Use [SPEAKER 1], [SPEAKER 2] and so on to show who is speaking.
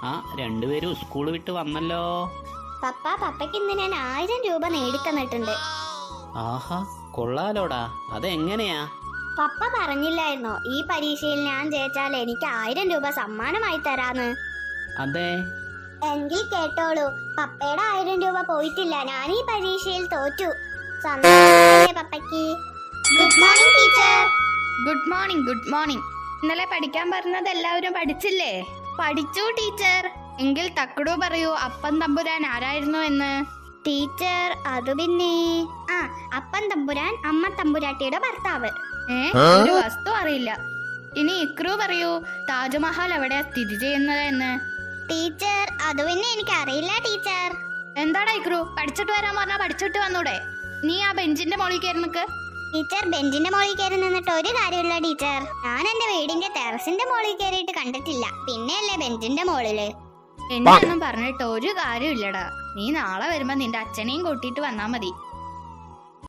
[SPEAKER 1] ആ രണ്ടുപേരും സ്കൂൾ വിട്ട് വന്നല്ലോ.
[SPEAKER 2] പപ്പയ്ക്ക് ഇന്ന് ഞാൻ 1000 രൂപ നേടിത്തന്നിട്ടുണ്ട്.
[SPEAKER 1] ആഹാ, കൊള്ളാലോടാ. അതെങ്ങനെയാ?
[SPEAKER 2] പപ്പ പറഞ്ഞില്ലായിരുന്നോ ഈ പരീക്ഷയിൽ ഞാൻ ജയിച്ചാൽ എനിക്ക് 1000 രൂപ സമ്മാനമായി തരാന്ന്?
[SPEAKER 1] അതെ.
[SPEAKER 2] എങ്കിൽ കേട്ടോളൂ, പപ്പയുടെ 1000 രൂപ പോയിട്ടില്ല. ഞാൻ ഈ പരീക്ഷയിൽ തോറ്റു. സന്തോഷമല്ലേ പപ്പയ്ക്ക്? Good morning teacher.
[SPEAKER 3] Good morning. Good morning. ഇന്നലെ പഠിക്കാൻ പറഞ്ഞത് എല്ലാവരും പഠിച്ചില്ലേ? പഠിച്ചു ടീച്ചർ. എങ്കിൽ തക്കടു പറയൂ, അപ്പൻ തമ്പുരാൻ ആരായിരുന്നു എന്ന്.
[SPEAKER 2] ടീച്ചർ, അത് പിന്നെ അപ്പൻ തമ്പുരാൻ അമ്മ തമ്പുരാട്ടിയുടെ ഭർത്താവ്.
[SPEAKER 3] ഒരു വസ്തു അറിയില്ല. ഇനി ഇക്രു പറയൂ, താജ്മഹൽ എവിടെയാ സ്ഥിതി ചെയ്യുന്നത് എന്ന്.
[SPEAKER 2] ടീച്ചർ, അത് പിന്നെ എനിക്ക് അറിയില്ല ടീച്ചർ.
[SPEAKER 3] എന്താടാ ഇക്രു, പഠിച്ചിട്ട് വരാൻ പറഞ്ഞാ പഠിച്ചിട്ട് വന്നൂടെ? നീ ആ ബെഞ്ചിന്റെ മോളിൽ കയറി നിൽക്ക്.
[SPEAKER 2] ടീച്ചർ, ബെഞ്ചിന്റെ മോളിൽ കയറി നിന്നിട്ട് ഒരു കാര്യമില്ല ടീച്ചർ. ഞാൻ എന്റെ വീടിന്റെ ടെറസിന്റെ മോളിൽ കയറിയിട്ട് കണ്ടിട്ടില്ല. പിന്നെയല്ലേ ബെഞ്ചിന്റെ മോളില്.
[SPEAKER 3] എന്നൊന്നും പറഞ്ഞിട്ട് ഒരു കാര്യമില്ലടാ. നീ നാളെ വരുമ്പോ നിന്റെ അച്ഛനെയും കൂട്ടിയിട്ട് വന്നാ മതി.